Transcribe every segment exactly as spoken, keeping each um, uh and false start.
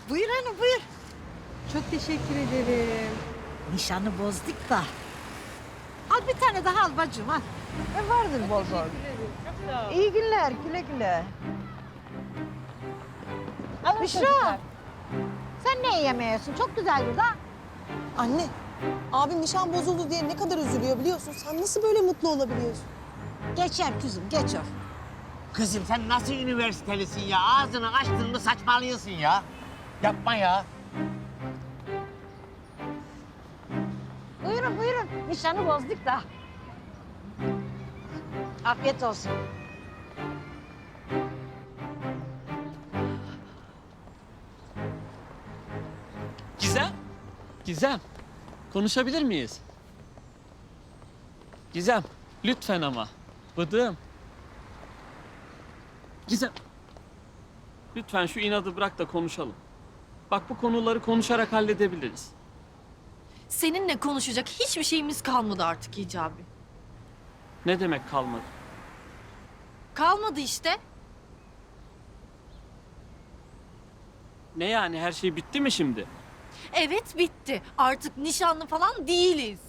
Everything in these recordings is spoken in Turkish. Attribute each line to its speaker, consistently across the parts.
Speaker 1: Buyur hanım buyur.
Speaker 2: Çok teşekkür ederim.
Speaker 1: Nişanı bozduk da. Al bir tane daha al bacım al. E vardır bol bol.
Speaker 2: Çok sağ ol.
Speaker 1: İyi günler güle güle.
Speaker 2: Alın
Speaker 1: Büşra.
Speaker 2: çocuklar.
Speaker 1: Sen ne yemiyorsun? Çok güzel burada.
Speaker 3: Anne, abim nişan bozuldu diye ne kadar üzülüyor biliyorsun. Sen nasıl böyle mutlu olabiliyorsun?
Speaker 1: Geçer kızım geçer.
Speaker 4: Kızım sen nasıl üniversitelisin ya? Ağzını açtın mı saçmalıyorsun ya. Yapma ya.
Speaker 1: Buyurun buyurun. Nişanı bozduk da. Afiyet olsun.
Speaker 5: Gizem? Gizem, konuşabilir miyiz? Gizem, lütfen ama. Bıdığım. Gizem. Lütfen şu inadı bırak da konuşalım. Bak bu konuları konuşarak halledebiliriz.
Speaker 6: Seninle konuşacak hiçbir şeyimiz kalmadı artık Hicabi.
Speaker 5: Ne demek kalmadı?
Speaker 6: Kalmadı işte.
Speaker 5: Ne yani her şey bitti mi şimdi?
Speaker 6: Evet bitti. Artık nişanlı falan değiliz.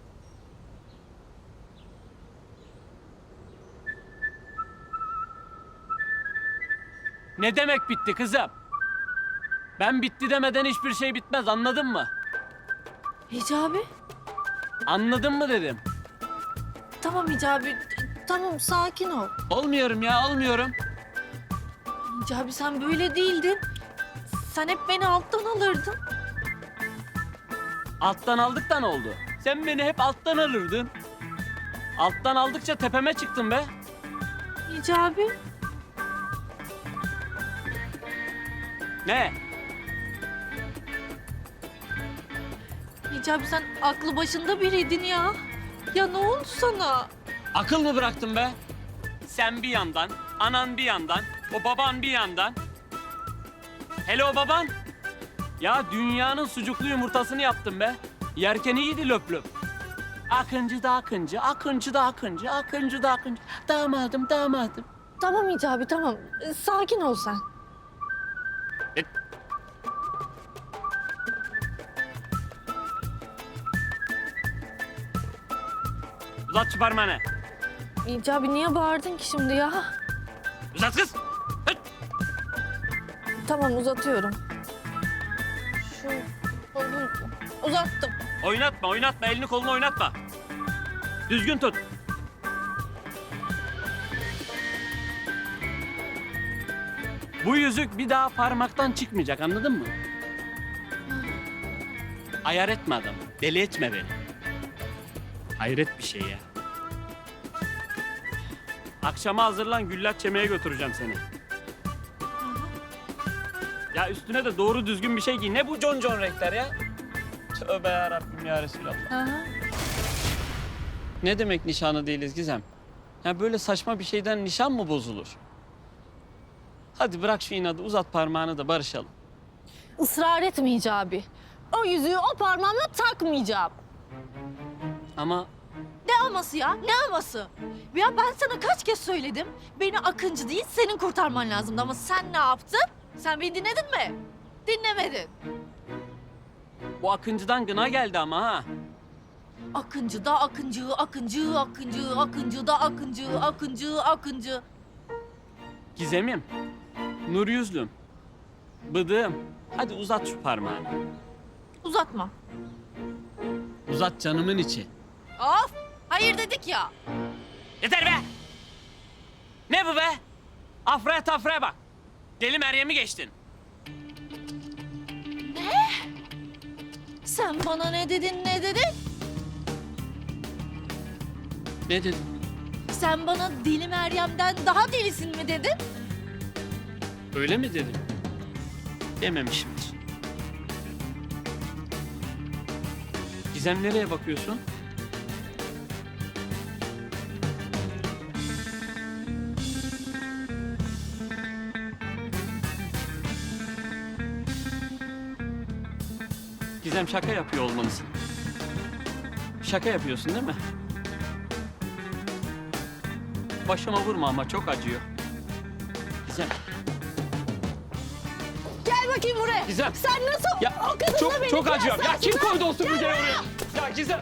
Speaker 5: Ne demek bitti kızım? Ben bitti demeden hiçbir şey bitmez, anladın mı?
Speaker 6: Hicabi?
Speaker 5: Anladın mı dedim.
Speaker 6: Tamam Hicabi. Tamam sakin ol.
Speaker 5: Olmuyorum ya, olmuyorum.
Speaker 6: Hicabi sen böyle değildin. Sen hep beni alttan alırdın.
Speaker 5: Alttan aldık da ne oldu? Sen beni hep alttan alırdın. Alttan aldıkça tepeme çıktın be.
Speaker 6: Hicabi.
Speaker 5: Ne?
Speaker 6: Hicabi sen aklı başında biriydin ya. Ya ne oldu sana?
Speaker 5: Akıl mı bıraktın be? Sen bir yandan, anan bir yandan, o baban bir yandan. Hele o baban. Ya dünyanın sucuklu yumurtasını yaptın be. Yerken iyiydi löp löp. Akıncı da akıncı, akıncı da akıncı, akıncı da akıncı. Damadım, damadım.
Speaker 6: Tamam Hicabi tamam. Ee, Sakin ol sen.
Speaker 5: E, Uzat şu parmağını.
Speaker 6: Hicabi niye bağırdın ki şimdi ya?
Speaker 5: Uzat kız. Hıt.
Speaker 6: Tamam uzatıyorum. Şu kolunu uzattım.
Speaker 5: Oynatma, oynatma. Elini kolunu oynatma. Düzgün tut. Bu yüzük bir daha parmaktan çıkmayacak, anladın mı? Ayar etme adamı. Deli etme beni. Hayret bir şey ya. Akşama hazırlan, güllaç yemeye götüreceğim seni. Ya üstüne de doğru düzgün bir şey giy. Ne bu concon renkler ya? Tövbe yarabbim ya Resulallah.
Speaker 6: Hı hı.
Speaker 5: Ne demek nişanı değiliz Gizem? Ya böyle saçma bir şeyden nişan mı bozulur? Hadi bırak şu inadı, uzat parmağını da barışalım.
Speaker 6: Israr etme Hicabi. O yüzüğü o parmağıma takmayacağım.
Speaker 5: Ama
Speaker 6: Ne aması ya? Ne aması? Ya ben sana kaç kez söyledim. Beni Akıncı değil senin kurtarman lazımdı ama sen ne yaptın? Sen beni dinledin mi? Dinlemedin.
Speaker 5: bu Akıncı'dan gına geldi ama ha.
Speaker 6: Akıncı da Akıncı, Akıncı, Akıncı, Akıncı da Akıncı, Akıncı, Akıncı.
Speaker 5: Gizemim, nur yüzlüm, bıdığım. Hadi uzat şu parmağını.
Speaker 6: Uzatma.
Speaker 5: Uzat canımın içi.
Speaker 6: Of! Hayır dedik ya.
Speaker 5: Yeter be! Ne bu be? Afraya tafraya bak. Deli Meryem'i geçtin.
Speaker 6: Sen bana ne dedin, ne dedin?
Speaker 5: Ne dedin?
Speaker 6: Sen bana Deli Meryem'den daha delisin mi dedin?
Speaker 5: Öyle mi dedim? Dememişimdir. Gizem nereye bakıyorsun? Gizem şaka yapıyor olmalısın. Şaka yapıyorsun değil mi? Başıma vurma ama çok acıyor. Gizem.
Speaker 6: Gel bakayım buraya.
Speaker 5: Gizem.
Speaker 6: Sen nasıl
Speaker 5: Ya
Speaker 6: o kadınla
Speaker 5: çok
Speaker 6: beni
Speaker 5: çok acıyorum. Ya kim
Speaker 6: kıyaslarsın
Speaker 5: koydu o
Speaker 6: ha?
Speaker 5: süpürgeyi oraya? Ya Gizem.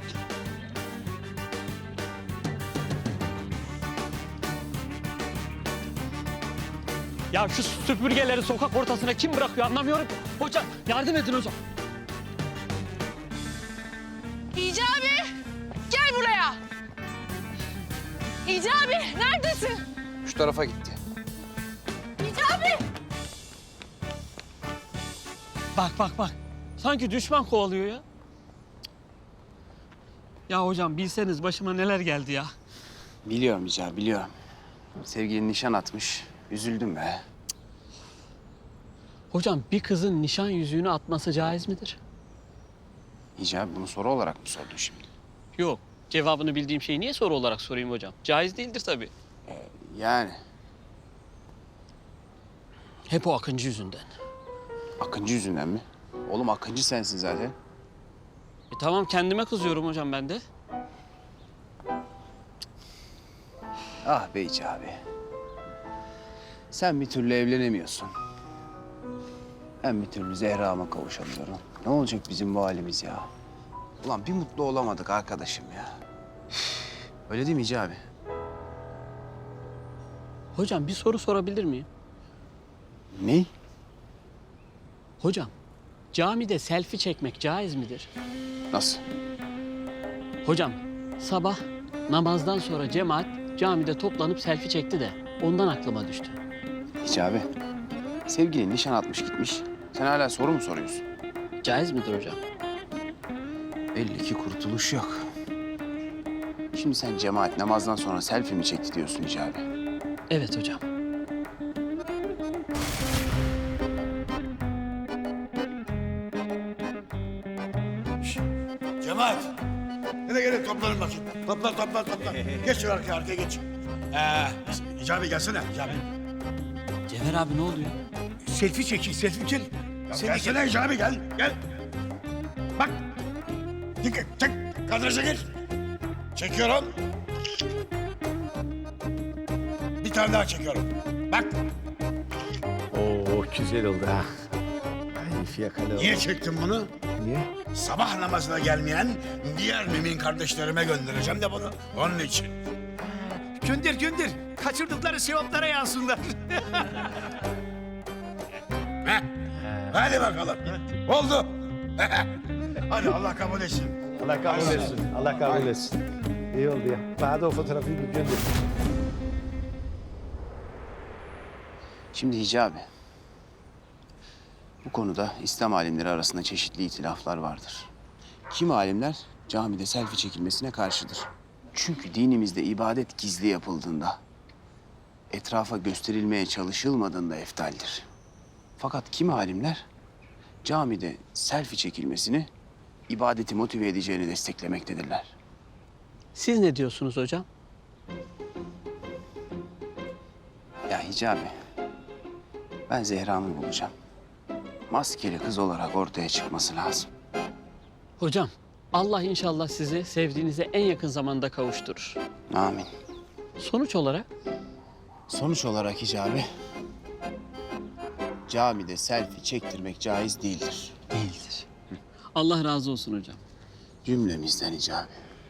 Speaker 5: Ya şu süpürgeleri sokak ortasına kim bırakıyor anlamıyorum. Hocam yardım edin hocam.
Speaker 6: Hicabi gel buraya. Hicabi neredesin?
Speaker 7: Şu tarafa gitti.
Speaker 6: Hicabi.
Speaker 5: Bak bak bak. Sanki düşman kovalıyor ya. Ya hocam bilseniz başıma neler geldi ya.
Speaker 7: Biliyorum Hicabi, biliyorum. Sevgilin nişan atmış. Üzüldüm be.
Speaker 5: Hocam bir kızın nişan yüzüğünü atması caiz midir?
Speaker 7: Hicabi bunu soru olarak mı sordun şimdi?
Speaker 5: Yok. Cevabını bildiğim şeyi niye soru olarak sorayım hocam? Caiz değildir tabii.
Speaker 7: Yani
Speaker 5: Hep o Akıncı yüzünden.
Speaker 7: Akıncı yüzünden mi? Oğlum Akıncı sensin zaten.
Speaker 5: E tamam kendime kızıyorum hocam ben de.
Speaker 7: Ah be Hicabi. Sen bir türlü evlenemiyorsun. Ben bir türlü Zehra'ma kavuşamıyorum. Ne olacak bizim bu halimiz ya? Ulan bir mutlu olamadık arkadaşım ya. Öyle değil mi Hicabi?
Speaker 5: Hocam bir soru sorabilir miyim?
Speaker 7: Ne?
Speaker 5: Hocam camide selfie çekmek caiz midir?
Speaker 7: Nasıl?
Speaker 5: Hocam sabah namazdan sonra cemaat camide toplanıp selfie çekti de ondan aklıma düştü.
Speaker 7: Hicabi, sevgilin nişan atmış gitmiş. Sen hala soru mu soruyorsun?
Speaker 5: Caiz midir hocam?
Speaker 7: Belli ki kurtuluş yok. Şimdi sen cemaat namazdan sonra selfie mi çekti diyorsun Hicabi?
Speaker 5: Evet hocam.
Speaker 8: Cemaat. Hadi gelin toplanın bakayım. Toplan toplan toplan. Geç şu arkaya arkaya geç. Ee, Hicabi gelsene Hicabi.
Speaker 5: Cevher abi ne oluyor?
Speaker 8: Selfie çekin selfie çek. Ya gelsene Hicabi gel gel. Bak. Dikkat çek. Kadraja gir. Çekiyorum. Bir tane daha çekiyorum. Bak.
Speaker 9: Oo güzel oldu ha. Ay fiyakalı oldu.
Speaker 8: Niye çektim bunu?
Speaker 9: Niye?
Speaker 8: Sabah namazına gelmeyen diğer mümin kardeşlerime göndereceğim de bunu. Onun için.
Speaker 9: Gönder gönder. Kaçırdıkları sevaplara yansınlar.
Speaker 8: Heh. Hadi bakalım. Oldu. Hadi Allah kabul etsin.
Speaker 9: Allah kabul etsin. Allah kabul etsin. İyi oldu ya. Bana da o fotoğrafı bir gönder.
Speaker 7: Şimdi Hicabi, bu konuda İslam alimleri arasında çeşitli itilaflar vardır. Kimi alimler camide selfie çekilmesine karşıdır. Çünkü dinimizde ibadet gizli yapıldığında, etrafa gösterilmeye çalışılmadığında eftaldir. Fakat kimi alimler camide selfie çekilmesini ibadeti motive edeceğini desteklemektedirler.
Speaker 5: Siz ne diyorsunuz hocam?
Speaker 7: Ya Hicabi, ben Zehra'mı bulacağım. Maskeli kız olarak ortaya çıkması lazım.
Speaker 5: Hocam Allah inşallah sizi sevdiğinize en yakın zamanda kavuşturur.
Speaker 7: Amin.
Speaker 5: Sonuç olarak
Speaker 7: Sonuç olarak Hicabi, camide selfie çektirmek caiz değildir.
Speaker 5: değildir. Allah razı olsun hocam.
Speaker 7: Cümlemizden Hicabi.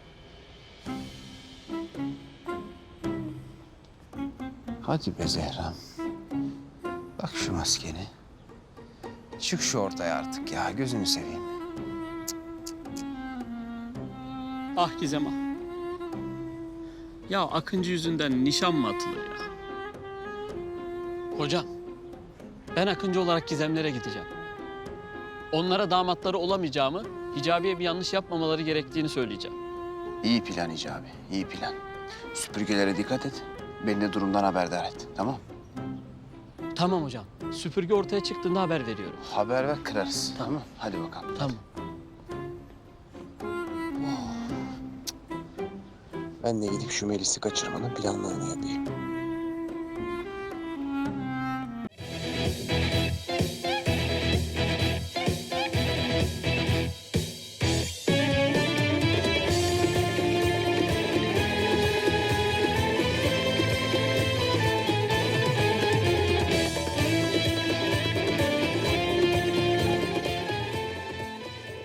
Speaker 7: Hadi be Zehra. Bak şu maskeni. Çık şu ortaya artık ya, gözünü seveyim.
Speaker 5: Ah Gizem ah. Ya Akıncı yüzünden nişan mı atılır ya? Hocam, ben Akıncı olarak Gizemlere gideceğim. Onlara damatları olamayacağımı, Hicabi'ye bir yanlış yapmamaları gerektiğini söyleyeceğim.
Speaker 7: İyi plan Hicabi, iyi plan. Süpürgelere dikkat et. Beni de durumdan haberdar et, tamam?
Speaker 5: Tamam hocam, süpürge ortaya çıktığında haber veriyorum.
Speaker 7: Haber ver, kırarız. Tamam. Hadi bakalım.
Speaker 5: Tamam.
Speaker 7: Ben de gidip şu Melis'i kaçırmanın planlarını yapayım.